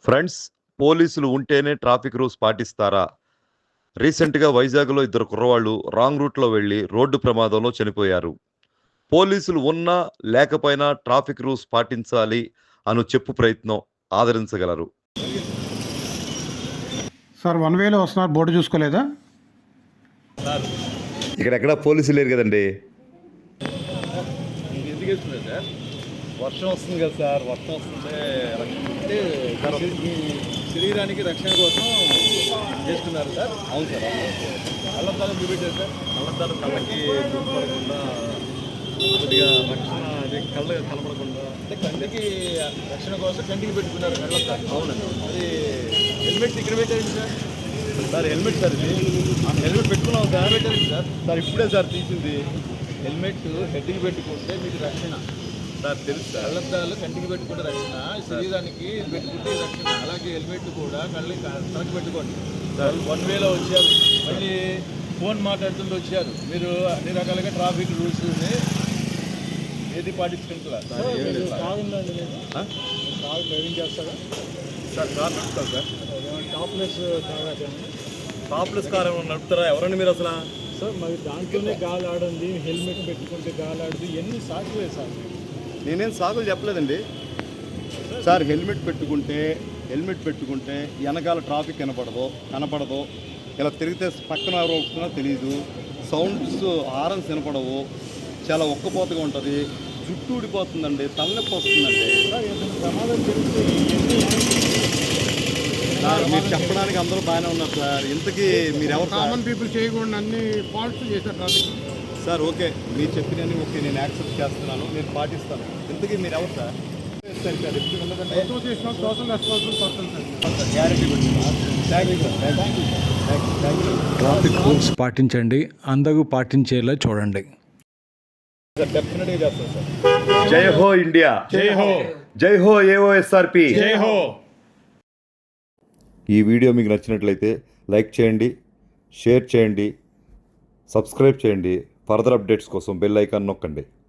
Friends, పోలీసులు ఉంటేనే traffic rules పాటిస్తారా? రీసెంట్‌గా వైజాగ్‌లో ఇద్దరు కుర్రవాళ్ళు రాంగ్ రూట్‌లో వెళ్లి రోడ్డు ప్రమాదంలో చనిపోయారు. పోలీసులు ఉన్నా, లేకపోయినా ట్రాఫిక్ రూల్స్ పాటించాలి అను చెప్పు ప్రయత్నం ఆదరించగలరు. సార్ వన్ వేలో వస్తున్నారు, బోర్డు చూసుకోలేదా? ఇక్కడెక్కడ పోలీసులు లేరు కదండి. ఎందుకు వేసుకున్నారు సార్? వర్షం వస్తుంది కదా సార్, వర్షం వస్తుంటే అంటే మీ శరీరానికి రక్షణ కోసం చేసుకున్నారు సార్. అవును సార్, కళ్ళద్దాలు చూపెట్టారు సార్. కళ్ళద్దాలు కళ్ళకి పడకుండా కొద్దిగా రక్షణ, అదే కళ్ళ కనపడకుండా అంటే కంటికి రక్షణ కోసం కంటికి పెట్టుకున్నారు కళ్ళద్దాలు. అవునండి. అది హెల్మెట్ ఇక్కడ పెట్టారండి సార్. సార్ హెల్మెట్ సార్, ఇది హెల్మెట్ పెట్టుకున్నాం సార్. పెట్టారండి సార్. సార్ ఇప్పుడే సార్ తీసింది. హెల్మెట్ హెడ్కి పెట్టుకుంటే మీకు రక్షణ సార్ తెలుసు సార్. కళ్ళద్దాలు కంటికి పెట్టుకుంటే రక్షణ, శరీరానికి పెట్టుకుంటే రక్షణ. అలాగే హెల్మెట్ కూడా కళ్ళకి తనకు పెట్టుకోండి సార్. వన్ వేలో వచ్చారు, మళ్ళీ ఫోన్ మాట్లాడుతుంటూ వచ్చారు. మీరు అన్ని రకాలుగా ట్రాఫిక్ రూల్స్ని ఏది పాటించుకుంటారా? కారు డ్రైవింగ్ చేస్తారా సార్? కార్ నడుపుతారు సార్. టాప్లెస్ కార్ ఏమైనా నడుపుతారా? ఎవరండి మీరు అసలు? సార్ మరి దాంట్లోనే గాలి ఆడండి, హెల్మెట్ పెట్టుకుంటే గాలి ఆడదు, ఎన్ని సాకులే సార్. నేనేం సాకులు చెప్పలేదండి సార్. హెల్మెట్ పెట్టుకుంటే వెనకాల ట్రాఫిక్ కనపడదు. ఇలా తిరిగితే పక్కన ఎవరు వస్తున్నా తెలియదు. సౌండ్స్ హారన్స్ వినపడవు. చాలా ఒక్కపోతగా ఉంటుంది. జుట్టు ఊడిపోతుందండి, తలనొప్పి వస్తుందండి. ప్రమాదం జరిగితే సార్ మీరు చెప్పడానికి అందరూ బాగానే ఉన్నారు సార్. ఇంతకీ మీరు ఎవరు? కామన్ పీపుల్ చేయకుండా అన్ని ఫాల్ట్స్ చేశారు ట్రాఫిక్. సార్ ఓకే, మీరు చెప్పినవి ఓకే, నేను యాక్సెప్ట్ చేస్తున్నాను, నేను పాటిస్తాను. ఇంతకీ మీరు ఎవరు sir? Sir sir association social responsible person sir. Guarantee thank you sir. Thank you. Traffic rules పాటించండి, అందరూ పాటించేలా చూడండి. సార్ డెఫినెట్గా చేస్తాను సార్. జై హో ఇండియా, జై హో, జై హో ఏఓఎస్ఆర్పి. జై హో. ఈ వీడియో మీకు నచ్చినట్లయితే లైక్ చేయండి, షేర్ చేయండి, సబ్స్క్రైబ్ చేయండి. ఫర్దర్ అప్డేట్స్ కోసం బెల్ ఐకాన్ నొక్కండి.